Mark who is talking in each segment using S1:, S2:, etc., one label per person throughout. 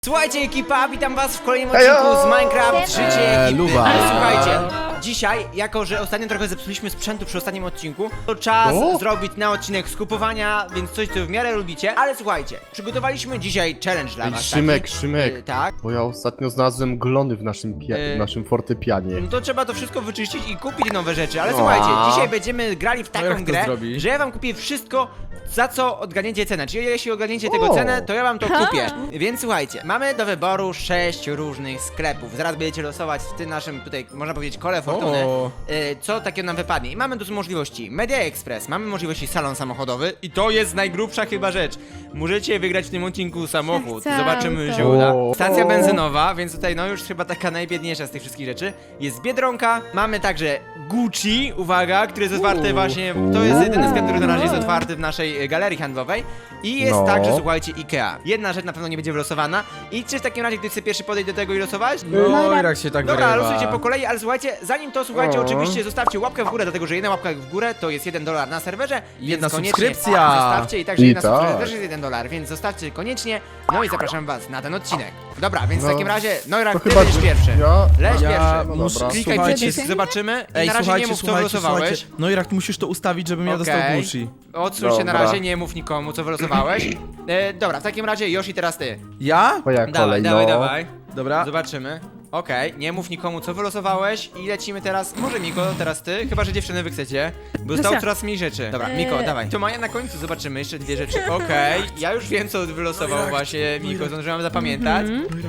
S1: Słuchajcie ekipa, witam was w kolejnym odcinku z Minecraft Życie ekipy.
S2: Luba.
S1: Ale słuchajcie, dzisiaj, jako że ostatnio trochę zepsuliśmy sprzętu przy ostatnim odcinku, to czas zrobić na odcinek skupowania, więc coś co w miarę lubicie. Ale słuchajcie, przygotowaliśmy dzisiaj challenge dla was.
S2: Szymek,
S1: taki,
S2: Szymek,
S1: tak?
S2: bo ja ostatnio znalazłem glony w naszym fortepianie.
S1: No to trzeba to wszystko wyczyścić i kupić nowe rzeczy. Ale słuchajcie, dzisiaj będziemy grali w taką grę, że ja wam kupię wszystko, za co odgadniecie cenę. Czyli jeśli odgadniecie tego cenę, to ja wam to kupię. Więc słuchajcie, mamy do wyboru 6 różnych sklepów. Zaraz będziecie losować w tym naszym tutaj, można powiedzieć, kole fortuny, co takiego nam wypadnie. I mamy tu możliwości Media Express, mamy możliwości salon samochodowy i to jest najgrubsza chyba rzecz. Możecie wygrać w tym odcinku samochód. Zobaczymy, się uda. Stacja benzynowa, więc tutaj no już chyba taka najbiedniejsza z tych wszystkich rzeczy. Jest Biedronka, mamy także Gucci, uwaga, który jest otwarty właśnie, to jest jedyny sklep, który na razie jest otwarty w naszej galerii handlowej. I jest także, słuchajcie, Ikea. Jedna rzecz na pewno nie będzie wylosowana. I czy w takim razie ktoś chce pierwszy podejść do tego i losować?
S3: No i jak się tak
S1: Dobra,
S3: wyrywa.
S1: losujcie po kolei, ale słuchajcie, zanim to słuchajcie, oczywiście zostawcie łapkę w górę, dlatego że jedna łapka w górę to jest $1 na serwerze.
S3: Jedna
S1: więc koniecznie
S3: subskrypcja.
S1: Zostawcie i także
S2: I
S1: jedna
S2: tak.
S1: subskrypcja też jest $1, więc zostawcie koniecznie. No i zapraszam was na ten odcinek. Dobra, więc w takim razie, Noirak, ty będziesz pierwszy. Leć pierwszy.
S2: no dobra.
S1: Klikaj
S3: Słuchajcie,
S1: przycisk, zobaczymy. I
S3: Ej,
S1: na razie
S3: słuchajcie,
S1: nie mów, co
S3: słuchajcie,
S1: wylosowałeś.
S3: słuchajcie. No i jak musisz to ustawić, żebym ja dostał
S1: Okej.
S3: Gucci.
S1: Odsuń się na
S2: Dobra.
S1: razie, nie mów nikomu, co wylosowałeś. Dobra, w takim razie Yoshi, teraz ty.
S3: Ja?
S2: Twoja
S1: Dawaj,
S2: kolej,
S1: dawaj,
S2: no.
S1: dawaj.
S3: Dobra.
S1: Zobaczymy. Okej, nie mów nikomu, co wylosowałeś i lecimy teraz. Może Miko, teraz ty, chyba że dziewczyny wy chcecie, bo zostało coraz mniej rzeczy. Dobra, Miko, dawaj. To Maja na końcu, zobaczymy jeszcze dwie rzeczy. Okej, ja już wiem, co wylosował właśnie Miko, zdążyłam zapamiętać.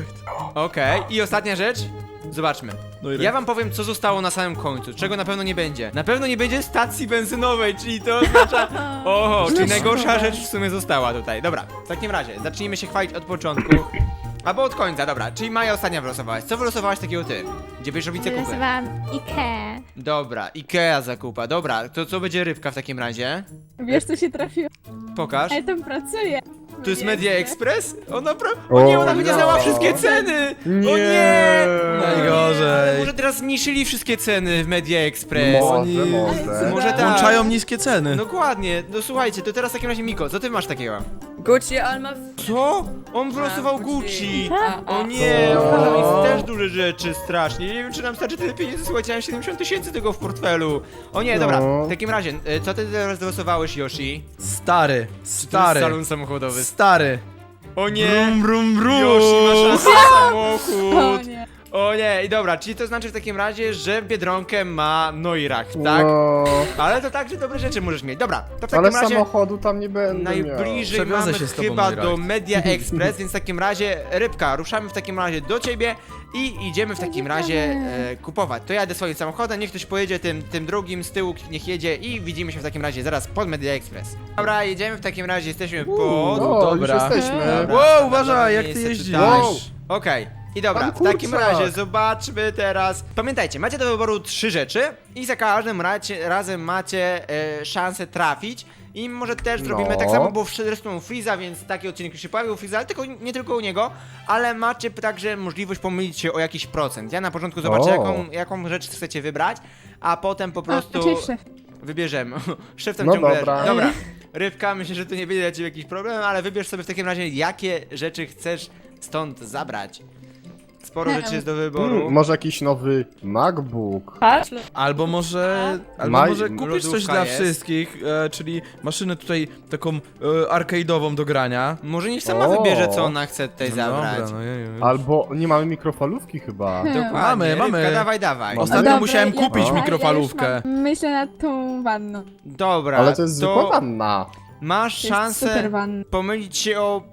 S1: Okej, i ostatnia rzecz. Zobaczmy. Ja wam powiem, co zostało na samym końcu, czego na pewno nie będzie. Na pewno nie będzie stacji benzynowej, czyli to oznacza... Oho, czyli najgorsza rzecz w sumie została tutaj. Dobra, w takim razie, zacznijmy się chwalić od początku. Albo od końca, dobra, czyli Maja ostatnia wylosowałaś. Co wylosowałaś takiego ty? Gdzie będziesz robić zakupy?
S4: Wylosowałam Ikea.
S1: Dobra, Ikea zakupa, dobra, to co będzie rybka w takim razie?
S4: Wiesz, co się trafiło?
S1: Pokaż.
S4: Ja tam pracuję.
S1: Tu jest Media Express? O nie, ona będzie znała wszystkie ceny! O nie!
S3: Najgorzej.
S1: Może teraz zmniejszyli wszystkie ceny w Media Express.
S2: Może.
S1: Może tak.
S3: Włączają niskie ceny.
S1: Dokładnie, no słuchajcie, to teraz w takim razie Miko, co ty masz takiego?
S5: Gucci, ale ma...
S1: Co? On wylosował
S5: Tak,
S1: Gucci!
S5: A,
S1: O nie, on może mieć też duże rzeczy, strasznie. Nie wiem, czy nam starczy tyle pieniędzy, słuchajcie, ja mam 70 000 tego w portfelu. O nie, dobra, w takim razie, co ty teraz wylosowałeś, Yoshi?
S3: Stary,
S1: To jest
S3: stary,
S1: salon samochodowy.
S3: stary.
S1: O nie!
S3: Brum, brum,
S1: Yoshi ma
S3: brum.
S1: szansę na
S4: O
S1: samochód!
S4: nie.
S1: O nie, i dobra, czyli to znaczy w takim razie, że Biedronkę ma Neurach, tak?
S2: No,
S1: Ale to także dobre rzeczy możesz mieć. Dobra, to w takim
S2: ale
S1: razie
S2: samochodu tam nie będę
S1: najbliżej
S3: Przewiozę
S1: mamy
S3: się z tobą,
S1: chyba
S3: Neurach.
S1: do Media Express, więc w takim razie Rybka, ruszamy w takim razie do ciebie i idziemy w takim razie kupować. To jadę swoim samochodem, niech ktoś pojedzie tym drugim z tyłu, niech jedzie i widzimy się w takim razie zaraz pod Media Express. Dobra, jedziemy w takim razie, jesteśmy pod...
S2: No,
S3: Dobra.
S2: już jesteśmy.
S1: Dobra.
S3: Wow, uważaj, jak ty
S1: Miejsce
S3: jeździsz.
S1: tutaj.
S2: Wow.
S1: Okej. I dobra,
S2: Pan
S1: w takim
S2: kurczak.
S1: razie zobaczmy teraz. Pamiętajcie, macie do wyboru 3 rzeczy i za każdym razem macie szansę trafić. I może też zrobimy tak samo, bo zresztą Freeza, więc taki odcinek już się pojawił Freeza, ale tylko, nie tylko u niego, ale macie także możliwość pomylić się o jakiś procent. Ja na początku zobaczę, jaką rzecz chcecie wybrać, a potem po prostu
S4: Cześć, szef.
S1: wybierzemy. Szeftem
S2: No
S1: ciągle
S2: dobra.
S1: leży. Dobra. Rybka, myślę, że to nie będzie dla ciebie jakiś problem, ale wybierz sobie w takim razie, jakie rzeczy chcesz stąd zabrać. Sporo rzeczy jest do wyboru.
S2: Może jakiś nowy MacBook.
S5: Patrz,
S3: Albo może kupisz coś
S1: lodówka
S3: dla
S1: jest.
S3: wszystkich, czyli maszynę tutaj taką arcade'ową do grania.
S1: Może niech sama
S2: O.
S1: wybierze, co ona chce tutaj
S3: No
S1: zabrać.
S3: dobra, no jeju.
S2: Albo nie mamy mikrofalówki chyba.
S1: Dokładnie,
S3: Mamy.
S1: Rybka, dawaj, dawaj.
S3: Ostatnio
S4: Dobra,
S3: musiałem kupić
S4: ja
S3: mikrofalówkę.
S4: już myślę nad tą wanną.
S1: Dobra,
S2: Ale to jest zwykła wanna.
S1: masz
S4: To jest
S1: szansę
S4: super wanna.
S1: pomylić się o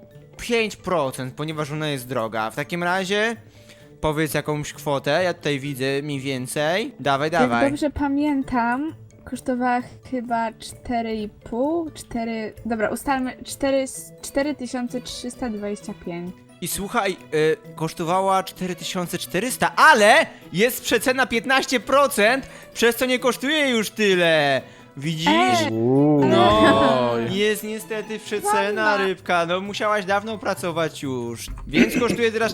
S1: 5%, ponieważ ona jest droga. W takim razie powiedz jakąś kwotę, ja tutaj widzę mniej więcej. Dawaj,
S4: Jak
S1: dawaj.
S4: dobrze pamiętam, kosztowała chyba 4,5, 4... Dobra, ustalmy 4325.
S1: I słuchaj, kosztowała 4400, ale jest przecena 15%, przez co nie kosztuje już tyle. Widzisz? No,
S3: Oj.
S1: jest niestety przecena, Rybka, no musiałaś dawno pracować już. Więc kosztuje teraz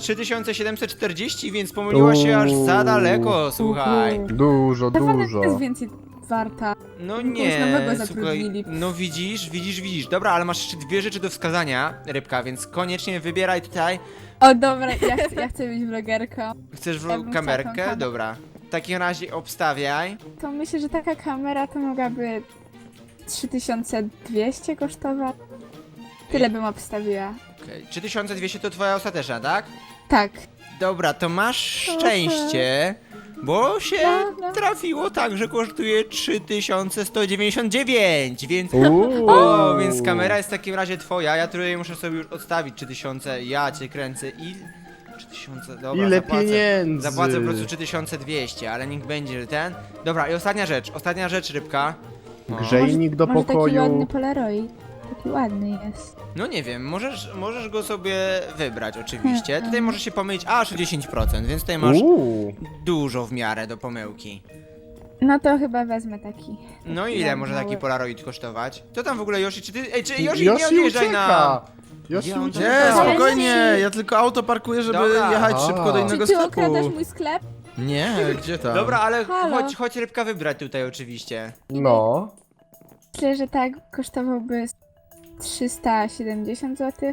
S1: 3740, więc pomyliła się aż za daleko, słuchaj.
S2: Dużo,
S4: Ta wanna
S2: dużo.
S4: jest więcej warta.
S1: No
S4: Kogoś
S1: nie,
S4: nowego
S1: słuchaj,
S4: zatrudnili.
S1: no widzisz. Dobra, ale masz jeszcze dwie rzeczy do wskazania, Rybka, więc koniecznie wybieraj tutaj.
S4: O dobra, ja chcę być vlogerką.
S1: Chcesz
S4: Ja bym chciała tą
S1: kamerkę?
S4: kamerę.
S1: Dobra. W takim razie obstawiaj.
S4: To myślę, że taka kamera to mogłaby 3200 kosztować. Tyle bym obstawiła.
S1: Okay. 3200 to twoja ostateczna, tak?
S4: Tak.
S1: Dobra, to masz szczęście, bo się
S4: No.
S1: trafiło tak, że kosztuje 3199, więc...
S2: Uuu.
S1: O, więc kamera jest w takim razie twoja, ja tutaj muszę sobie już odstawić 3000, ja cię kręcę i... 3000, dobra,
S2: Ile pieniędzy?
S1: Zapłacę po prostu 3200, ale niech będzie że ten. Dobra, i ostatnia rzecz, Rybka. O.
S2: Grzejnik do
S4: Może taki
S2: pokoju.
S4: ładny Polaroid. Taki ładny jest.
S1: No nie wiem, możesz go sobie wybrać oczywiście. Tutaj
S4: Mhm.
S1: możesz się pomylić aż o 10%, więc tutaj masz
S2: Uuu.
S1: dużo w miarę do pomyłki.
S4: No to chyba wezmę taki.
S1: No i ile
S4: ładny,
S1: może
S4: mały.
S1: taki Polaroid kosztować? To tam w ogóle Yoshi, czy ty... Ej, czy Yoshi nie odjeżdżaj na...
S2: ucieka! Yoshi
S1: Gdzie on
S2: ucieka!
S3: Nie,
S4: Ale
S3: spokojnie,
S4: ci-
S3: ja tylko auto parkuję, żeby
S1: Dobra.
S3: jechać
S2: A.
S3: szybko do innego
S4: Czy ty
S3: sklepu.
S4: okradasz mój sklep?
S3: Nie, gdzie tam?
S1: Dobra, ale
S4: Halo.
S1: chodź Rybka wybrać tutaj oczywiście.
S2: No.
S4: Myślę, że tak kosztowałby 370 zł.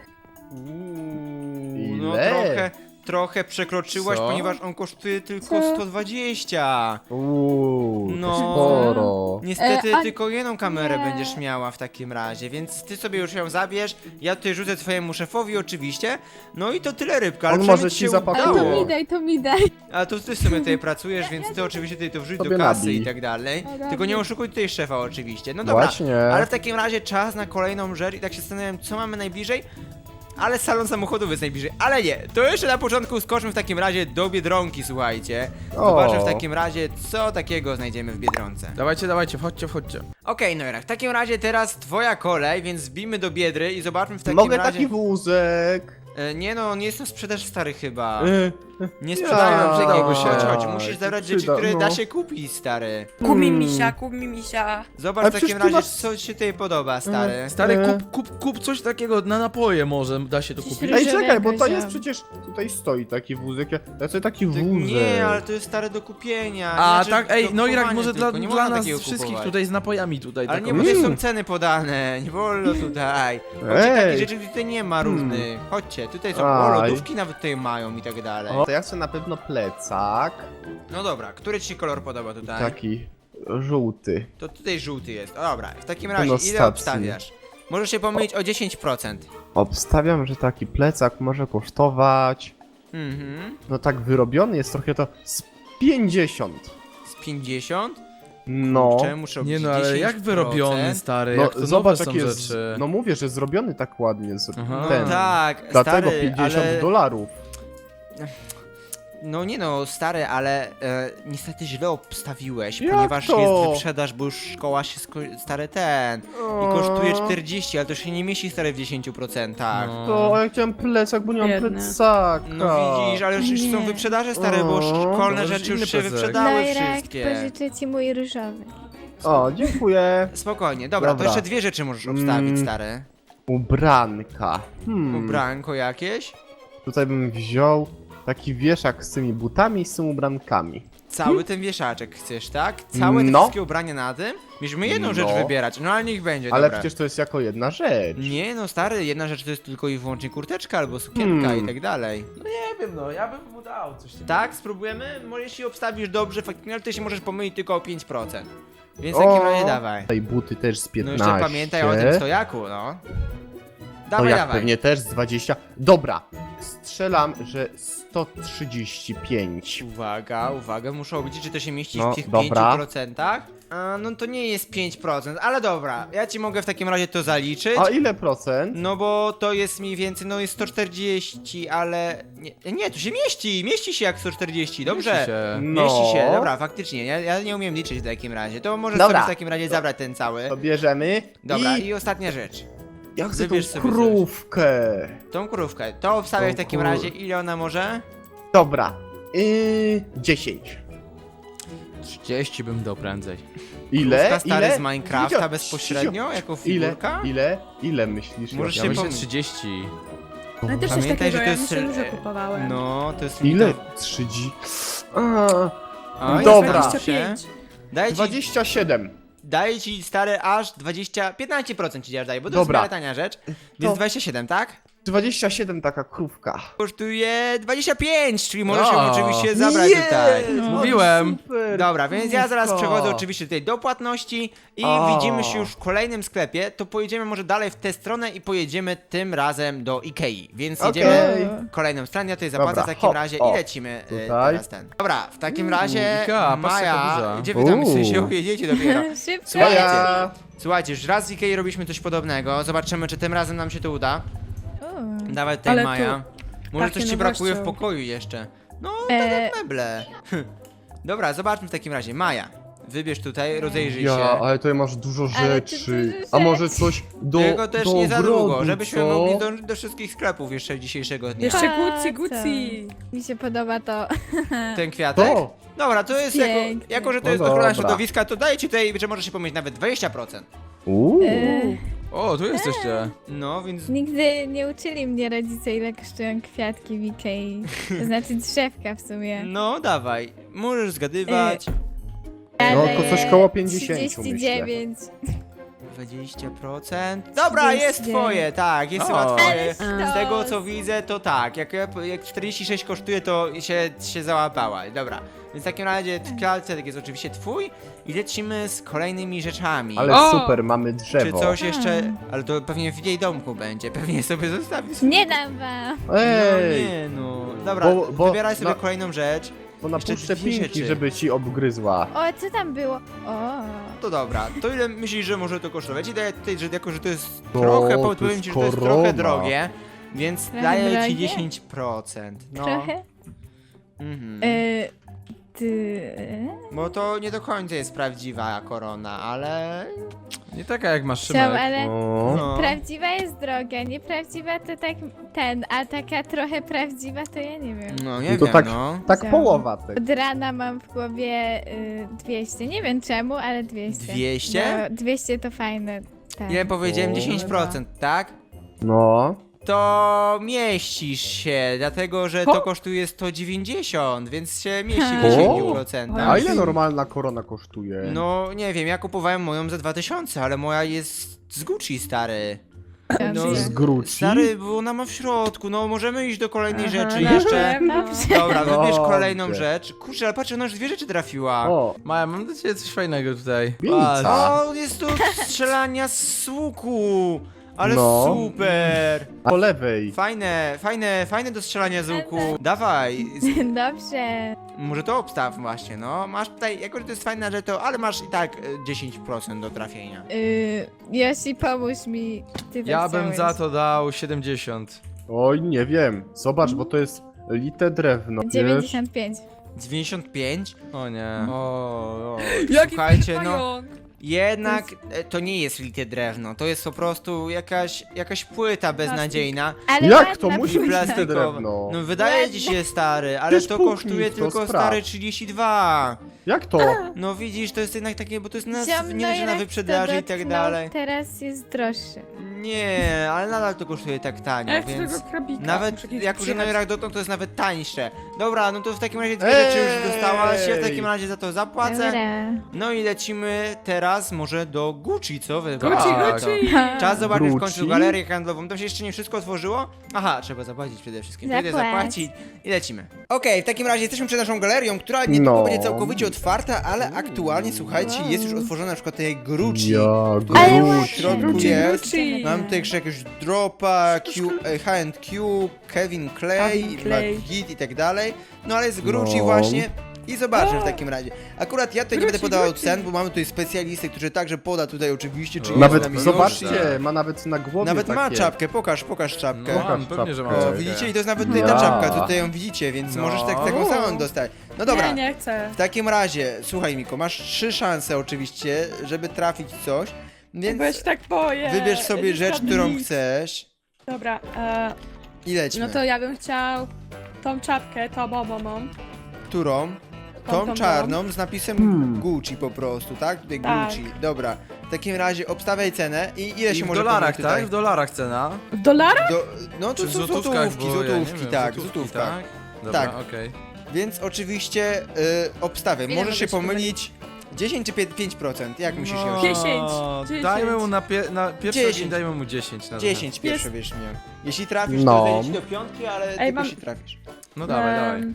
S1: No
S2: Ile?
S1: trochę przekroczyłaś,
S3: Co?
S1: ponieważ on kosztuje tylko
S4: Co?
S1: 120.
S2: Uuu,
S1: No.
S2: to sporo.
S1: Niestety
S4: a-
S1: tylko jedną kamerę
S4: nie.
S1: będziesz miała w takim razie, więc ty sobie już ją zabierz, ja tutaj rzucę twojemu szefowi oczywiście, no i to tyle Rybka, ale
S2: On
S1: przynajmniej
S2: może
S1: ci
S2: ci
S1: się
S2: zapakuje.
S4: Ale
S1: udało.
S4: to mi daj.
S1: Ale to ty sobie tutaj pracujesz, więc ty oczywiście tutaj to wrzuć do
S2: Sobie
S1: kasy
S2: nabij.
S1: i tak dalej,
S4: Dobra.
S1: tylko nie oszukuj tutaj szefa oczywiście, no dobra.
S2: Właśnie.
S1: Ale w takim razie czas na kolejną rzecz i tak się zastanawiam, co mamy najbliżej. Ale salon samochodów jest najbliżej. Ale nie, to jeszcze na początku skoczmy w takim razie do Biedronki, słuchajcie. Zobaczmy w takim razie, co takiego znajdziemy w Biedronce.
S3: Dawajcie, wchodźcie.
S1: Okej, Noira, w takim razie teraz twoja kolej, więc wbijmy do Biedry i zobaczmy w takim
S2: Mogę
S1: razie...
S2: taki wózek.
S1: Nie no, on jest na sprzedaż stary chyba.
S2: E,
S1: Nie sprzedają
S2: ja,
S1: takiego
S3: się.
S1: chodź, musisz zabrać rzeczy,
S2: Przyda,
S1: które
S2: no.
S1: da się kupić, stary.
S5: Kup mi misia.
S1: Zobacz
S2: Ale
S1: w takim
S2: przecież ty
S1: razie,
S2: masz-
S1: co ci tutaj podoba, stary.
S3: Stary,
S2: E.
S3: kup coś takiego na napoje może, da się to
S5: Coś
S3: kupić.
S2: Ej,
S5: Różowego
S2: czekaj, bo to
S5: wziąłem.
S2: jest przecież... Tutaj stoi taki wózek. Ja chcę taki wózek.
S1: Nie, ale to jest stare do kupienia.
S3: A
S1: znaczy,
S3: tak,
S1: do
S3: ej, no Irak,
S1: kupowania
S3: może
S1: tylko, nie
S3: dla
S1: można
S3: nas
S1: takiego
S3: wszystkich
S1: kupować.
S3: tutaj z napojami tutaj
S1: Ale
S3: taką...
S1: nie, bo tutaj są ceny podane, nie wolno tutaj. Chodźcie, takich
S2: Ej.
S1: rzeczy tutaj nie ma różnych. Chodźcie, tutaj są
S2: Aj.
S1: lodówki nawet tutaj mają i tak dalej.
S2: O, to ja chcę na pewno plecak.
S1: No dobra, który ci się kolor podoba tutaj?
S2: Taki żółty.
S1: To tutaj żółty jest. O, dobra, w takim
S2: Ten
S1: razie ile
S2: ostatni.
S1: obstawiasz? Możesz się pomylić o 10%.
S2: Obstawiam, że taki plecak może kosztować...
S1: Mhm.
S2: No tak wyrobiony jest trochę to z 50.
S1: Z 50?
S2: No.
S1: Czemu muszę
S3: Nie
S1: obliczyć
S3: no, ale jak
S1: 10%?
S3: wyrobiony, stary,
S2: No
S3: jak to
S2: zobacz
S3: nowe są
S2: jakie
S3: rzeczy.
S2: No mówię, że zrobiony tak ładnie
S3: Aha.
S1: No
S2: ten.
S1: tak,
S2: Dlatego
S1: stary,
S2: 50
S1: ale...
S2: dolarów.
S1: No nie no, stary, ale niestety źle obstawiłeś,
S2: Jak
S1: ponieważ
S2: to?
S1: jest wyprzedaż, bo już szkoła się stary ten i kosztuje 40, ale to się nie mieści stary w 10%.
S3: No.
S2: To ja chciałem plecak, bo nie mam
S5: Biedny.
S2: plecaka.
S1: No widzisz, ale już są
S5: Nie.
S1: wyprzedaże stare, bo
S2: O,
S1: szkolne
S3: to
S1: rzeczy
S3: inny
S1: już się
S3: plecak.
S1: wyprzedały
S6: Lajrak,
S1: wszystkie.
S6: pożyczę ci mój różowy.
S2: O, dziękuję.
S1: Spokojnie, dobra, to
S2: Dobra.
S1: jeszcze dwie rzeczy możesz obstawić,
S2: Mm.
S1: stary.
S2: Ubranka.
S1: Ubranko jakieś?
S2: Tutaj bym wziął taki wieszak z tymi butami i z tymi ubrankami.
S1: Cały ten wieszaczek chcesz, tak? Całe te
S2: No.
S1: wszystkie ubrania na tym? Mieliśmy jedną rzecz
S2: No.
S1: wybierać, no ale niech będzie,
S2: Ale
S1: dobra.
S2: przecież to jest jako jedna rzecz.
S1: Nie no, stary, jedna rzecz to jest tylko i wyłącznie kurteczka albo sukienka
S2: Hmm.
S1: i tak dalej.
S3: Nie wiem, no, ja bym mu dał coś takiego.
S1: Tak, spróbujemy? Może jeśli obstawisz dobrze, faktycznie, ale ty się możesz pomylić tylko o 5%. Więc w takim
S2: O.
S1: razie dawaj.
S2: Tutaj buty też z
S1: No
S2: 15.
S1: jeszcze pamiętaj o tym stojaku, no.
S2: To
S1: Dawaj,
S2: jak
S1: dawaj.
S2: pewnie też z 20. Dobra, strzelam, że 135.
S1: Uwaga, muszę obliczyć, czy to się mieści
S2: No,
S1: w tych
S2: dobra.
S1: 5%. A, no to nie jest 5%, ale dobra, ja ci mogę w takim razie to zaliczyć.
S2: A ile procent?
S1: No bo to jest mniej więcej, no jest 140, ale... Nie, tu się mieści się jak 140, dobrze?
S3: Mieści się.
S1: Mieści się,
S2: No.
S1: dobra, faktycznie, ja nie umiem liczyć w takim razie, to możesz
S2: Dobra.
S1: sobie w takim razie zabrać ten cały.
S2: To bierzemy.
S1: Dobra,
S2: I
S1: i ostatnia rzecz,
S2: ja chcę tą
S1: wybierz sobie coś.
S2: krówkę.
S1: tą krówkę, to obstawiaj w
S2: Tą
S1: takim
S2: kur-
S1: razie, ile ona może?
S2: Dobra. 10.
S3: 30 bym dał prędzej.
S2: Ile?
S1: Krówka stary
S2: Ile?
S1: z Minecrafta
S2: Cicho,
S1: bezpośrednio,
S2: cicho.
S1: jako
S2: Ile?
S1: figurka?
S2: Ile myślisz?
S1: Możesz
S3: Ja
S1: się
S3: myślę
S1: pom-
S3: 30.
S5: No też coś
S1: Pamiętaj,
S5: takiego,
S1: że to
S5: ja
S1: jest...
S5: myślę, że kupowałem.
S1: No, to jest...
S2: Ile?
S1: limitowe.
S2: 30.
S1: A,
S2: Dobra.
S1: zastanów się.
S5: 25.
S1: Daję ci,
S2: 27.
S1: daję ci stary aż 15% ci daję, bo to
S2: Dobra.
S1: jest w miarę tania rzecz. Więc 27, tak?
S2: 27 taka krówka.
S1: Kosztuje 25, czyli możesz ją
S3: O.
S1: oczywiście zabrać tutaj.
S3: Mówiłem.
S2: Super.
S1: Dobra, więc ja zaraz
S2: krówka.
S1: przechodzę oczywiście tutaj do płatności i
S2: O.
S1: widzimy się już w kolejnym sklepie, to pojedziemy może dalej w tę stronę i pojedziemy tym razem do Ikei, więc jedziemy
S2: Okej.
S1: kolejną stronę, ja tutaj zapłacę
S2: Dobra,
S1: w takim
S2: hop,
S1: razie
S2: o,
S1: i lecimy
S2: tutaj.
S1: teraz ten. Dobra, w takim razie
S3: Ikea, patrzcie, jaka
S1: Maja,
S3: duża.
S1: gdzie wy tam się jedziecie dopiero?
S5: Szybko.
S1: Słuchajcie,
S2: Ja.
S1: słuchajcie, już raz z Ikei robiliśmy coś podobnego, zobaczymy czy tym razem nam się to uda. Dawaj tutaj
S5: Ale tu
S1: Maja. Może coś
S5: pachnie
S1: ci brakuje w
S5: nowością.
S1: pokoju jeszcze. No, tak jak meble. Dobra, zobaczmy w takim razie. Maja, wybierz tutaj, rozejrzyj
S2: Ja,
S1: się.
S2: ale tutaj masz dużo
S4: Ale ty
S2: rzeczy.
S4: dużo
S2: A może
S4: rzeczy.
S2: coś do
S1: Tylko też
S2: do
S1: nie za długo,
S2: ogrodu,
S1: żebyśmy
S2: co?
S1: mogli dążyć do wszystkich sklepów jeszcze dzisiejszego dnia.
S5: Jeszcze
S4: Pa,
S5: Gucci.
S4: Mi się podoba to.
S1: Ten kwiatek?
S2: To!
S1: Dobra, to jest jako,
S4: Pięknie.
S1: jako, że to
S2: No
S1: jest ochrona
S2: dobra.
S1: środowiska, to daję ci tutaj, że możesz się pomyśleć nawet 20%.
S3: O, tu jesteście.
S1: No, więc...
S4: Nigdy nie uczyli mnie rodzice, ile kosztują kwiatki w Ikei. To znaczy drzewka w sumie.
S1: No, dawaj. Możesz zgadywać.
S2: No,
S4: Ale
S2: to coś koło 50
S4: 39.
S1: 20%. Dobra, jest
S4: 39.
S1: twoje, tak, jest
S3: O.
S1: chyba twoje.
S4: Ale
S1: Z tego
S4: sztos.
S1: co widzę, to tak. Jak 46 kosztuje, to się załapała. Dobra. Więc w takim razie kwiatek jest oczywiście twój i lecimy z kolejnymi rzeczami.
S2: Ale
S5: O!
S2: super, mamy
S1: Czy
S2: drzewo.
S1: coś jeszcze. Ale to pewnie w jej domku będzie. Pewnie sobie zostawi.
S4: Nie dam wam.
S1: No
S2: Ej,
S1: nie no. Dobra,
S2: Bo
S1: wybieraj sobie
S2: na-
S1: kolejną rzecz.
S2: bo
S1: jeszcze
S2: napuszczę
S1: dwie
S2: pinki,
S1: rzeczy.
S2: żeby ci obgryzła.
S4: O, co tam było? O.
S1: To dobra. To ile myślisz, że może to kosztować? I daję tutaj, że jako że to jest
S2: No,
S1: trochę,
S2: to
S1: powiem
S2: jest
S1: ci, że to jest
S2: korona.
S1: trochę drogie. Więc
S4: Trochę
S1: daję ci
S4: drogie?
S1: 10%. No.
S4: Trochę?
S1: Mhm. Bo to nie do końca jest prawdziwa korona, ale.
S3: Nie taka jak masz
S4: Chciałam,
S3: Szymek.
S4: ale
S2: O.
S1: No.
S4: prawdziwa jest droga, nieprawdziwa to tak ten, a taka trochę prawdziwa to ja nie wiem.
S1: No nie
S2: No to
S1: wiem,
S2: tak-
S1: no.
S2: Tak
S4: Chciałam.
S2: połowa tego.
S4: Od rana mam w głowie 200, nie wiem czemu, ale 200.
S1: 200?
S4: No, 200 to fajne. Tak.
S1: Ile powiedziałem?
S2: O.
S1: 10%, tak?
S2: No.
S1: To mieścisz się, dlatego że to kosztuje 190, więc się mieści w
S2: O.
S1: 10%.
S2: A ile normalna korona kosztuje?
S1: No nie wiem, ja kupowałem moją za 2000, ale moja jest z Gucci, stary. No,
S2: Z Gucci?
S1: stary, bo ona ma w środku, no możemy iść do kolejnej rzeczy
S5: Na
S1: jeszcze.
S5: pewno.
S1: Dobra, wybierz
S2: Dobrze.
S1: kolejną rzecz. Kurczę, ale patrz, ona już dwie rzeczy trafiła.
S2: O,
S3: Maja, mam dla ciebie coś fajnego tutaj.
S2: pizza.
S1: O, jest to strzelania z łuku. Ale
S2: No.
S1: super.
S2: A po lewej.
S1: Fajne do strzelania z łuku. Dawaj,
S4: Dobrze.
S1: może to obstaw właśnie, no. Masz tutaj, jako że to jest fajna rzecz, to, ale masz i tak 10% do trafienia.
S4: Yoshi, pomóż mi. Ty to
S3: Ja bym
S4: chciałeś.
S3: za to dał 70.
S2: Oj, nie wiem. Zobacz, bo to jest lite drewno. Wiesz?
S4: 95.
S1: 95?
S3: O nie.
S1: O,
S5: Jaki
S1: słuchajcie, no.
S5: pająk.
S1: Jednak to nie jest lite drewno, to jest po prostu jakaś płyta beznadziejna.
S4: Ale
S2: Jak
S4: ładna
S2: to musi być
S4: płyta.
S2: lite
S1: Plastikowa.
S2: drewno?
S1: No wydaje ci się stary, ale
S2: Też
S1: to
S2: puknij
S1: kosztuje
S2: w to,
S1: tylko
S2: sprawdź.
S1: stary 32.
S2: Jak to?
S1: No widzisz, to jest jednak takie, bo to jest
S4: Ziom,
S1: nie dość, że na
S4: jak
S1: wyprzedaży
S4: to
S1: i tak
S4: dotknął,
S1: dalej.
S4: Teraz jest droższy.
S1: Nie, ale nadal to kosztuje tak tanio,
S5: Ja chcę
S1: więc...
S5: tego krabika.
S1: Nawet
S5: Muszę kiedyś
S1: jako, że
S5: przyjechać.
S1: Noirach dotąd to jest nawet tańsze. Dobra, no to w takim razie dwie rzeczy już dostałaś, ja w takim razie za to zapłacę.
S4: Dobra.
S1: No i lecimy teraz może do Gucci, co wy?
S3: Gucci,
S1: uważacie?
S3: Gucci.
S1: Czas zobaczyć w
S2: Gucci?
S1: końcu galerię handlową. Tam się jeszcze nie wszystko otworzyło? Aha, trzeba zapłacić przede wszystkim. Wtedy
S4: Zapłać.
S1: zapłacić i lecimy. Okej, w takim razie jesteśmy przed naszą galerią, która niedługo
S2: No.
S1: będzie całkowicie otwarta, ale aktualnie, słuchajcie, jest już otworzona na przykład tej Gucci.
S2: Ja,
S1: która
S4: Ale
S1: w
S4: ładnie.
S1: środku
S5: Gucci,
S1: jest.
S5: Gucci.
S1: Mam tutaj jeszcze jakiegoś Dropa, H&Q, Kevin Clay,
S5: Calvin Klein.
S1: McGee i tak dalej. No ale z Gucci
S2: No.
S1: właśnie. I zobaczmy w takim razie. Akurat ja tutaj nie będę
S5: Gucci,
S1: podawał
S5: Gucci.
S1: cen, bo mamy tutaj specjalistę, który także poda tutaj oczywiście, czy
S3: Nawet
S1: jest z
S2: Nawet,
S1: nami
S2: zobaczcie,
S1: już.
S2: ma nawet na głowie
S1: Nawet ma
S2: takie.
S1: czapkę, pokaż czapkę.
S3: No,
S2: Pokaż
S3: mam, pewnie, że mam
S2: czapkę.
S1: O,
S3: czapkę.
S1: widzicie? I to jest nawet tutaj ta
S2: Ja.
S1: czapka, co tutaj ją widzicie, więc
S3: No.
S1: możesz taką samą dostać. No dobra,
S5: Nie, nie chcę.
S1: w takim razie, słuchaj Miko, masz 3 szanse oczywiście, żeby trafić coś, więc
S5: Bo ja się tak boję.
S1: wybierz sobie
S5: Nie
S1: rzecz,
S5: spadnę
S1: którą
S5: nic.
S1: chcesz
S5: Dobra,
S1: i lećmy.
S5: no to ja bym chciał tą czapkę, tą mam.
S1: Którą? Tą
S5: Tą.
S1: czarną z napisem Gucci po prostu, tak? Tutaj
S5: Tak.
S1: Gucci. Dobra. W takim razie obstawiaj cenę i ile
S3: I
S1: się
S3: w
S1: może
S3: dolarach,
S1: pomylić tutaj?
S3: tak? W dolarach cena.
S5: W dolarach?
S1: No to
S3: Czy w
S1: są
S3: złotówkach,
S1: złotówki,
S3: bo ja nie
S1: złotówki,
S3: wiem,
S1: tak,
S3: złotówki,
S1: złotówka.
S3: tak? Dobra,
S1: Tak.
S3: okej.
S1: Więc oczywiście obstawiam.
S5: Ile
S1: Możesz się
S5: mogę się
S1: pomylić 10 czy 5%? Jak myślisz,
S3: No,
S1: Yoshi?
S5: 10.
S3: Dajmy mu na pierwszy
S1: 10.
S3: ogień, dajmy mu 10 na
S1: 10 pierwsze wiesz mnie. Jeśli trafisz,
S2: No.
S1: to zejdziesz do piątki, ale
S5: Ej,
S1: tylko
S5: mam-
S1: jeśli trafisz.
S3: No dawaj.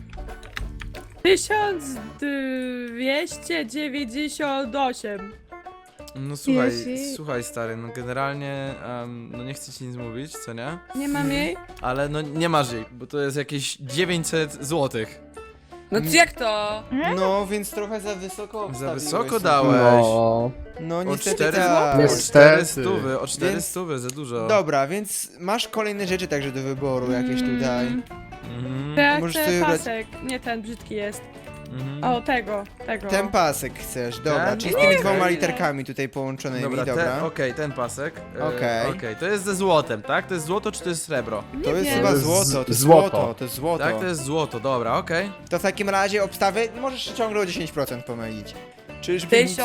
S5: 1298.
S3: No słuchaj,
S4: Yoshi.
S3: słuchaj stary, no generalnie, no nie chcę ci nic mówić, co nie?
S5: Nie mam jej?
S3: Ale no nie masz jej, bo to jest jakieś 900 złotych.
S5: No to jak to?
S1: No, więc trochę za wysoko
S3: Za
S1: obstawiłeś
S3: wysoko
S1: sobie.
S3: dałeś.
S2: No.
S1: No
S3: O
S1: niestety
S3: 4
S1: tak.
S3: zł? O
S2: Niestety.
S3: 4 stówy, o 4
S1: Więc-
S3: stówy, za dużo.
S1: Dobra, więc masz kolejne rzeczy także do wyboru jakieś tutaj.
S3: Mhm,
S5: Te,
S1: Możesz
S5: te
S1: sobie wybrać-
S5: pasek. Nie ten brzydki jest.
S3: mhm.
S5: O, tego.
S1: Ten pasek chcesz, dobra,
S3: Ten?
S1: czyli z tymi
S3: Nie.
S1: dwoma literkami tutaj połączonymi,
S3: Dobra,
S1: dobra.
S3: okej, ten pasek.
S1: Okej.
S3: Okej, to jest ze złotem, tak? To jest złoto czy to jest srebro?
S1: To jest
S5: wiem.
S1: chyba
S2: To jest
S1: złoto, to jest
S2: złoto.
S1: złoto, to jest złoto.
S3: Tak, to jest złoto, dobra, okej.
S1: To w takim razie obstawy możesz się ciągle o 10% pomylić. Czyżby nic...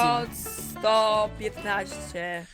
S5: 1115.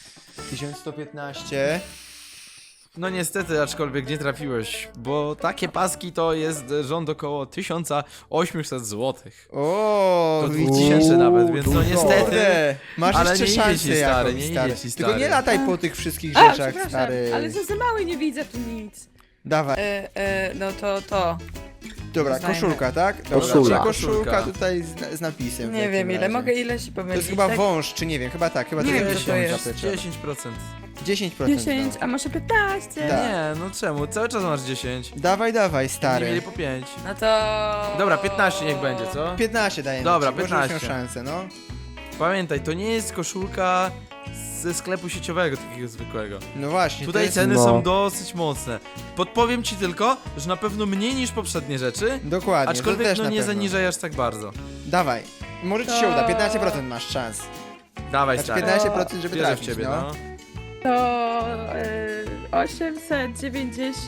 S1: 1115.
S3: No niestety, aczkolwiek nie trafiłeś, bo takie paski to jest rząd około 1800 złotych.
S1: O,
S3: To
S1: widzisz?
S3: 2000 nawet, więc no
S2: dużo.
S3: niestety.
S1: Kurde, masz
S3: Ale
S1: jeszcze
S3: nie idzie
S1: szansę
S3: ci, stary,
S1: jakąś,
S3: nie
S1: stary.
S3: idzie ci,
S1: Tylko nie
S3: stary.
S1: lataj po tych wszystkich
S5: A,
S1: rzeczach,
S5: przepraszam,
S1: stary.
S5: ale za mały, nie widzę tu nic.
S1: Dawaj.
S5: No to.
S1: Dobra,
S5: Znajmę.
S1: koszulka, tak? Dobra,
S2: Koszula.
S1: czyli koszulka
S3: Koszulka.
S1: tutaj z napisem. w
S5: Nie
S1: takim
S5: wiem ile,
S1: razie.
S5: mogę ile się
S1: To
S5: pomylić.
S1: jest chyba
S5: tak?
S1: wąż, czy nie wiem, chyba tak, chyba
S5: Nie
S1: to
S5: wiem,
S1: jest
S5: co to jest.
S3: 10%.
S1: 10%.
S5: 10,
S1: no.
S5: a może 15?
S1: Tak.
S3: Nie, no czemu? Cały czas masz 10.
S1: Dawaj, dawaj,
S3: Nie
S1: stary.
S3: mieli po 5.
S5: No to...
S3: Dobra, 15 niech będzie, co?
S1: 15 dajemy
S3: Dobra,
S1: ci, możesz mieć
S3: 15.
S1: szansę, no.
S3: Pamiętaj, to nie jest koszulka ze sklepu sieciowego, takiego zwykłego.
S1: No właśnie, to
S3: Tutaj
S1: jest...
S3: ceny
S2: No.
S3: są dosyć mocne. Podpowiem ci tylko, że na pewno mniej niż poprzednie rzeczy,
S1: Dokładnie, to
S3: aczkolwiek
S1: też
S3: no
S1: na
S3: nie
S1: pewno.
S3: zaniżaj aż tak bardzo.
S1: Dawaj, może ci się
S5: To-
S1: uda, 15% masz szans.
S3: Dawaj,
S1: Znaczy
S3: stary.
S1: 15%, żeby
S3: Wierzę w
S1: trafić,
S3: ciebie,
S1: no.
S3: no.
S5: To 890...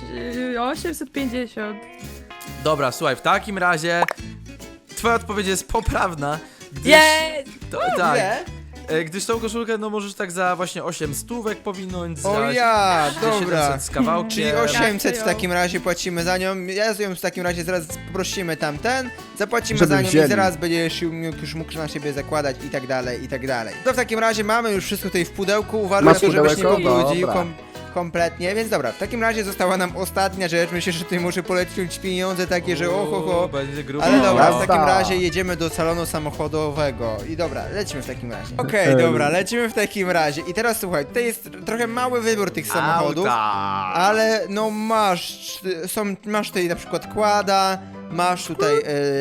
S5: 850.
S3: Dobra, słuchaj, w takim razie twoja odpowiedź jest poprawna. Gdyż,
S5: Jest!
S3: tak,
S1: Ile?
S3: gdyż tą koszulkę no możesz tak za właśnie 8 stówek powinąć, za,
S1: O ja,
S3: za
S1: dobra.
S3: 700 z kawałkiem.
S1: Czyli
S5: Tak,
S1: 800 w
S5: to
S1: takim razie płacimy za nią. Ja z nią w takim razie zaraz poprosimy tamten, zapłacimy
S2: Żeby
S1: za nią
S2: wzięli.
S1: i zaraz będziesz już mógł na siebie zakładać i tak dalej, i tak dalej. To w takim razie mamy już wszystko tutaj w pudełku. Uważaj
S2: Masz
S1: na to, żebyś nie
S2: pudełko?
S1: pobrudził
S2: Dobra.
S1: kompletnie, więc dobra, w takim razie została nam ostatnia rzecz. Myślę, że tutaj muszę polecić pieniądze takie, że oho.
S3: Będzie grubo.
S1: Ale dobra, w
S2: Jazda.
S1: takim razie jedziemy do salonu samochodowego. I dobra, lecimy w takim razie. Okej,
S2: Okej.
S1: dobra, lecimy w takim razie. I teraz słuchaj, tutaj jest trochę mały wybór tych samochodów.
S3: Auta.
S1: Ale no masz tutaj na przykład quada, masz tutaj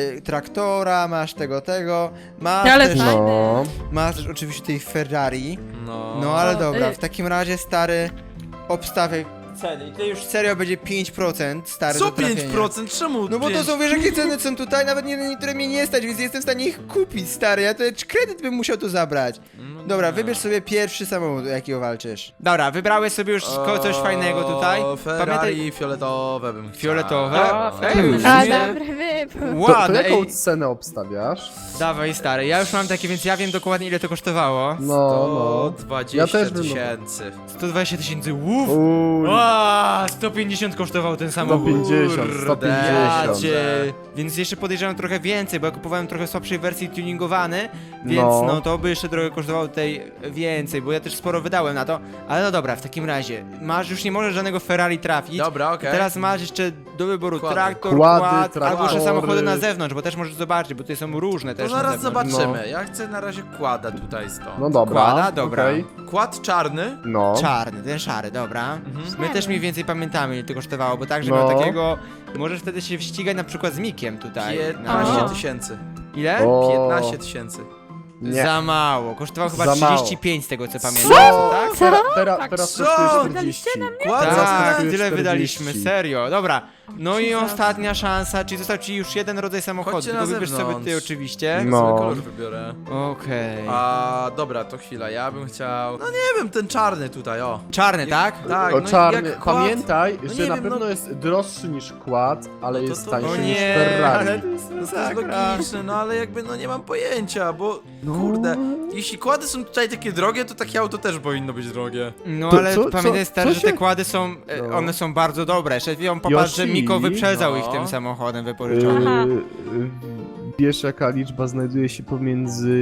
S1: traktora, masz tego, masz
S5: Ale
S1: też,
S5: fajne.
S2: No.
S1: masz też oczywiście tutaj Ferrari.
S3: No.
S1: No ale
S5: O,
S1: dobra, w takim razie stary obstawiaj ceny. I tutaj już serio będzie 5% stary
S3: Co
S1: do trafienia.
S3: 5%? Czemu
S1: No bo to
S3: 5?
S1: są, wiesz jakie ceny są tutaj, nawet niektóre mnie nie stać, więc nie jestem w stanie ich kupić, stary, ja to kredyt bym musiał tu zabrać.
S3: No
S1: Dobra,
S3: nie.
S1: wybierz sobie pierwszy samochód, o jakiego walczysz. Dobra, wybrałeś sobie już coś fajnego tutaj.
S3: O, Ferrari fioletowe bym chciał.
S1: Fioletowe?
S5: O,
S1: Ej,
S5: fajne.
S1: w
S4: A,
S1: sumie
S4: dobry wybór.
S2: To
S1: ładne,
S2: jaką
S1: ej.
S2: cenę obstawiasz?
S1: Dawaj stary, ja już mam takie, więc ja wiem dokładnie ile to kosztowało.
S2: No, no.
S3: 120
S2: Ja też bym-
S3: tysięcy.
S1: 120 tysięcy, łów!
S2: Uj,
S1: Ła, 150 kosztował ten samochód.
S2: 150,
S3: Kurde.
S1: Ja
S2: 150.
S1: cię. Więc jeszcze podejrzewam trochę więcej, bo ja kupowałem trochę słabszej wersji tuningowany, więc
S2: No.
S1: no to by jeszcze trochę kosztowało tutaj więcej, bo ja też sporo wydałem na to. Ale no dobra, w takim razie, już nie możesz żadnego Ferrari trafić.
S3: Dobra, okej.
S1: Teraz masz jeszcze do wyboru
S3: Kłady.
S1: traktor,
S2: Kłady,
S1: quad, albo jeszcze
S2: traktory.
S1: samochody na zewnątrz, bo też możesz zobaczyć, bo tutaj są różne
S3: To
S1: też na
S3: zaraz
S1: zewnątrz.
S3: zobaczymy.
S2: No.
S3: Ja chcę na razie kłada tutaj stąd.
S2: No dobra,
S1: Kłada? Dobra.
S2: okej.
S3: Kład czarny.
S2: No.
S1: Czarny, ten szary, dobra.
S3: Mhm.
S1: My też mniej więcej pamiętamy, ile to kosztowało, bo także
S2: No.
S1: miał takiego... Możesz wtedy się ścigać na przykład z Mikiem tutaj.
S3: 15
S5: O.
S3: tysięcy.
S1: Ile?
S2: O,
S3: 15 tysięcy.
S2: nie.
S1: Za mało. Kosztował chyba
S2: Za mało.
S1: 35 z tego co pamiętam.
S2: Co?
S1: Tak?
S2: Teraz
S3: Co?
S2: kosztuje 40.
S3: Kład za
S1: Tak,
S2: kosztuje
S1: tyle
S2: 40.
S1: wydaliśmy, serio. Dobra. No i
S5: Jesus.
S1: ostatnia szansa, czyli został ci już jeden rodzaj samochodu.
S3: Chodźcie
S1: Tylko
S3: na
S1: wybierz sobie
S3: zewnątrz.
S1: ty oczywiście.
S2: No.
S3: Sobie kolor wybiorę.
S1: Okej.
S3: A dobra, to chwila, ja bym chciał. No nie wiem, ten czarny tutaj, o.
S1: Czarny, tak?
S3: Tak,
S2: O
S3: no
S2: czarny,
S3: jak kład.
S2: pamiętaj,
S3: No
S2: że
S3: nie
S2: na
S3: wiem,
S2: pewno
S3: no-
S2: jest droższy niż kład, ale
S3: No to
S2: jest
S3: to-
S2: tańszy
S1: O
S2: niż
S1: nie,
S2: Ferrari.
S1: ale to jest
S3: No to jest
S1: masakra.
S3: logiczne, no ale jakby no nie mam pojęcia, bo kurde, jeśli kłady są tutaj takie drogie, to takie auto też powinno być drogie.
S1: No
S2: To
S1: ale
S2: co-
S1: pamiętaj
S2: co-
S1: stary,
S2: co
S1: że te
S2: się-
S1: kłady są,
S2: No.
S1: one są bardzo dobre. Jeszcze popatrz, że
S2: Yoshi,
S1: Miko wyprzedzał
S3: no.
S1: ich tym samochodem wypożyczonym.
S5: Aha.
S2: Wiesz jaka liczba znajduje się pomiędzy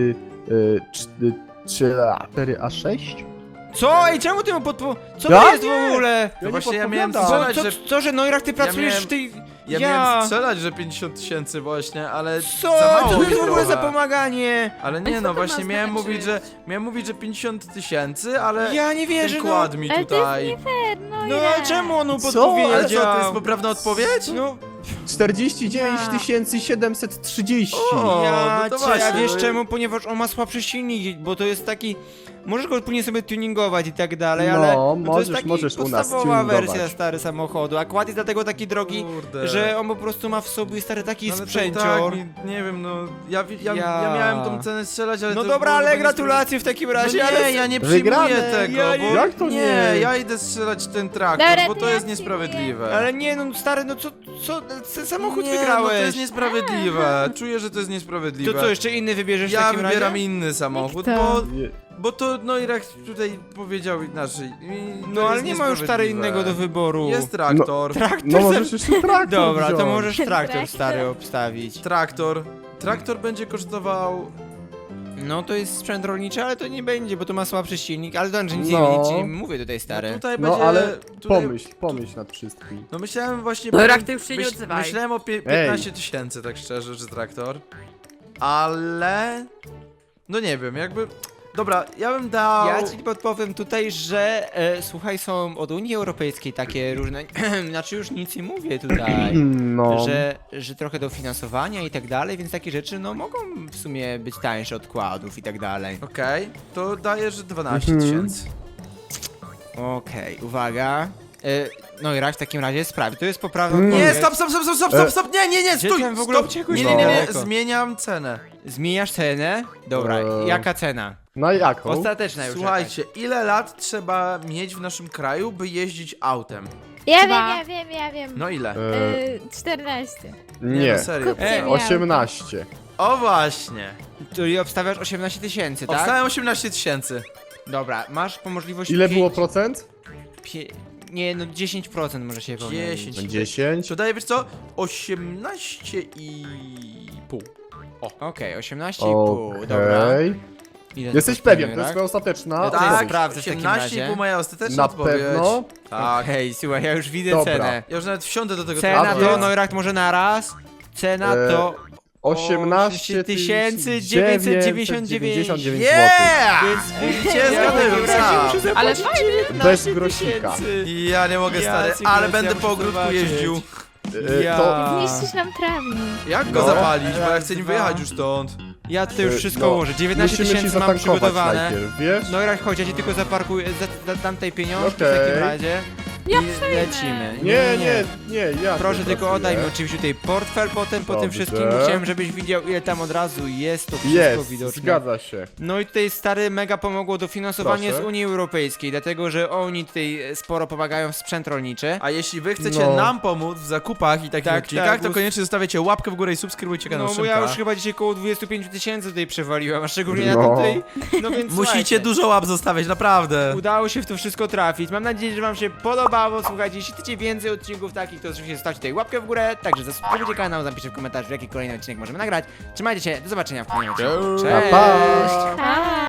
S2: 4A6?
S1: Co? Ej, czemu ty mu Co
S2: Ja
S1: to jest
S2: nie.
S1: w ogóle?
S2: Ja
S3: No
S2: nie
S3: właśnie ja miałem
S2: podpowiadam.
S3: strzelać, że...
S1: Co, że Noirak, ty pracujesz
S3: miałem-
S1: w tej...
S3: Ja miałem strzelać, że 50 000 właśnie, ale
S1: Co?
S3: za mało
S1: Co to
S3: mi
S1: jest w ogóle za
S3: trochę.
S1: pomaganie?
S3: Ale
S5: Ale
S3: nie
S5: co
S3: no,
S5: to
S3: właśnie
S5: ma
S3: miałem
S5: znaczyć?
S3: mówić, że 50 000, ale
S1: Ja nie wierzę,
S3: ten
S1: no.
S3: kład mi
S4: Ale to jest
S3: tutaj...
S4: nie fair, no
S1: No a czemu on mu
S2: Co?
S1: podpowiedział?
S3: Ale co, to jest poprawna odpowiedź?
S1: No,
S2: 49 730.
S3: O,
S1: ja,
S3: no to
S1: cię,
S3: właśnie,
S1: a wiesz
S3: no i-
S1: czemu? Ponieważ on ma słabszy silnik, bo to jest taki... Możesz go później sobie tuningować i tak dalej, ale to jest
S2: możesz,
S1: taki
S2: możesz u nas
S1: podstawowa
S2: tuningować.
S1: wersja stary samochodu, a kład jest dlatego taki drogi,
S3: Kurde.
S1: że on po prostu ma w sobie stary taki
S3: Ale to
S1: sprzęcior.
S3: tak, nie wiem, no, ja
S1: Ja.
S3: miałem tą cenę strzelać, ale
S1: No
S3: to
S1: dobra,
S3: było
S1: ale
S3: chyba
S1: gratulacje w takim razie,
S3: No nie,
S1: ale...
S3: ja nie przyjmuję
S2: Wygrane.
S3: tego,
S1: Ja
S3: bo...
S2: Jak to nie?
S3: Ja idę strzelać ten traktor,
S4: Dobra,
S3: bo
S4: to
S3: to
S4: ja
S3: jest
S4: przyjmuję.
S3: niesprawiedliwe.
S1: Ale nie, no stary, no co, ten samochód
S3: nie,
S1: wygrałeś.
S3: no to jest niesprawiedliwe. Czuję, że to jest niesprawiedliwe.
S1: To co, jeszcze inny wybierzesz w
S3: Ja
S1: takim
S3: wybieram
S1: razie?
S3: inny samochód,
S4: Jak to?
S3: bo to Noirak tutaj powiedział inaczej. I to
S1: No ale
S3: jest
S1: nie ma już stary
S3: niesprawiedliwe.
S1: innego do wyboru.
S3: Jest traktor.
S1: Traktor
S2: No
S1: sam-
S2: możesz jeszcze traktor
S1: Dobra, to
S2: wziąć.
S1: możesz traktor
S4: Traktor.
S1: stary obstawić.
S3: Traktor będzie kosztował...
S1: No to jest sprzęt rolniczy, ale to nie będzie, bo to ma słabszy silnik, ale to nic
S2: No.
S1: nie mówię tutaj stary.
S3: Tutaj
S2: No
S3: będzie...
S2: ale
S3: tutaj...
S2: pomyśl nad wszystkim.
S3: No myślałem właśnie...
S5: Noirak, ty już się nie odzywaj.
S3: Myślałem o 15 000, tak szczerze, że traktor. Ale... No nie wiem, jakby... Dobra, ja bym dał...
S1: Ja ci podpowiem tutaj, że słuchaj, są od Unii Europejskiej takie różne, znaczy już nic nie mówię tutaj,
S2: No.
S1: że trochę dofinansowania i tak dalej, więc takie rzeczy no mogą w sumie być tańsze odkładów i tak dalej.
S3: Okej, to daję, że 12
S2: Mhm.
S3: 000.
S1: Okej, uwaga. No i raz w takim razie sprawi. To jest poprawna
S3: Nie,
S1: odpowiedź.
S3: stop, nie,
S1: Gdzie
S3: stój,
S1: tam w ogóle
S3: stop.
S1: uciekłeś?
S3: Nie,
S1: Daleko.
S3: zmieniam cenę.
S1: Zmieniasz cenę? Dobra, jaka cena?
S2: Na jaką?
S1: Ostateczna już.
S3: Słuchajcie, ile lat trzeba mieć w naszym kraju, by jeździć autem?
S4: Ja wiem.
S3: No ile?
S4: 14.
S3: Nie, no serio.
S4: Kupcie mi
S2: 18.
S3: O właśnie.
S1: Czyli obstawiasz 18 000, tak?
S3: Obstałem 18 000.
S1: Dobra, masz po możliwości
S2: Ile było procent?
S1: Nie, no 10% może się pomylić.
S3: 10.
S2: 10.
S3: To daję, wiesz co? 18,5.
S1: Okej, 18,5, dobra.
S2: Okej.
S1: Ile
S2: Jesteś
S1: to
S2: pewien, to
S1: kosztuje,
S2: jest
S1: tak?
S2: twoja ostateczna
S1: Ja to
S2: odpowiedź.
S1: jest sprawdzę w takim
S3: 18,5
S1: razie.
S3: moja ostateczna
S2: Na
S3: odpowiedź.
S2: pewno?
S3: Tak.
S1: Okej, słuchaj, ja już widzę
S2: Dobra.
S1: cenę.
S3: Ja już nawet wsiądę do tego
S1: Cena
S3: traktora.
S1: to, no rak może na raz. Cena to
S2: 18
S1: 999
S2: zł.
S3: Yeah!
S1: Więc
S3: Widzicie,
S1: ja w
S3: zgadłem
S1: takim razie
S3: sam.
S1: muszę
S5: Ale
S1: zapłacić
S5: fajnie.
S1: 19
S2: Bez grosika.
S1: 000.
S3: Ja nie mogę, stary,
S1: Jacek,
S3: ale
S1: ja
S3: będę
S1: muszę
S3: po ogródku
S1: zobaczyć.
S3: jeździł.
S1: Ja.
S2: To
S4: Zniszczysz nam trawnik.
S3: Jak go
S2: No.
S3: zapalić, bo ja
S1: Raz,
S3: chcę nim
S1: dwa.
S3: wyjechać już stąd.
S1: Ja tutaj już wszystko
S2: no,
S1: ułożę. 19
S2: musimy ci
S1: 000 mam
S2: zatankować
S1: przygotowane.
S2: najpierw, wiesz?
S1: No i rak, chodź, ja ci tylko zaparkuję, dam tej pieniążki w
S2: Okej.
S1: takim razie.
S5: Ja
S1: I
S5: przejmę.
S1: lecimy.
S2: Nie, ja
S1: Proszę
S2: tu
S1: tylko
S2: pracuję.
S1: oddaj mi oczywiście tutaj portfel potem po tym
S2: Dobrze.
S1: wszystkim, bo chciałem żebyś widział ile tam od razu jest to wszystko
S2: Jest,
S1: widoczne.
S2: zgadza się.
S1: No i tutaj stary mega pomogło dofinansowanie
S2: Proszę.
S1: z Unii Europejskiej, dlatego że oni tutaj sporo pomagają w sprzęt rolniczy.
S3: A jeśli wy chcecie
S2: No.
S3: nam pomóc w zakupach i takich
S1: Tak,
S3: odcinkach,
S1: tak,
S3: to
S1: bo-
S3: koniecznie zostawiacie łapkę w górę i subskrybujcie kanał
S1: No bo
S3: Szymka.
S1: ja już chyba dzisiaj koło 25 000 tutaj przewaliłem, a szczególnie na
S2: No.
S1: tutaj. No więc
S3: Musicie
S1: słuchajcie,
S3: dużo łap zostawiać, naprawdę.
S1: udało się w to wszystko trafić. Mam nadzieję, że wam się podobało. Słuchajcie, jeśli chcecie więcej odcinków takich, to oczywiście zostawcie tutaj łapkę w górę. Także zasubskrybujcie kanał, napiszcie w komentarzu, jaki kolejny odcinek możemy nagrać. Trzymajcie się, do zobaczenia w kolejnym odcinku.
S2: Pa, pa.
S1: Cześć!
S4: Pa!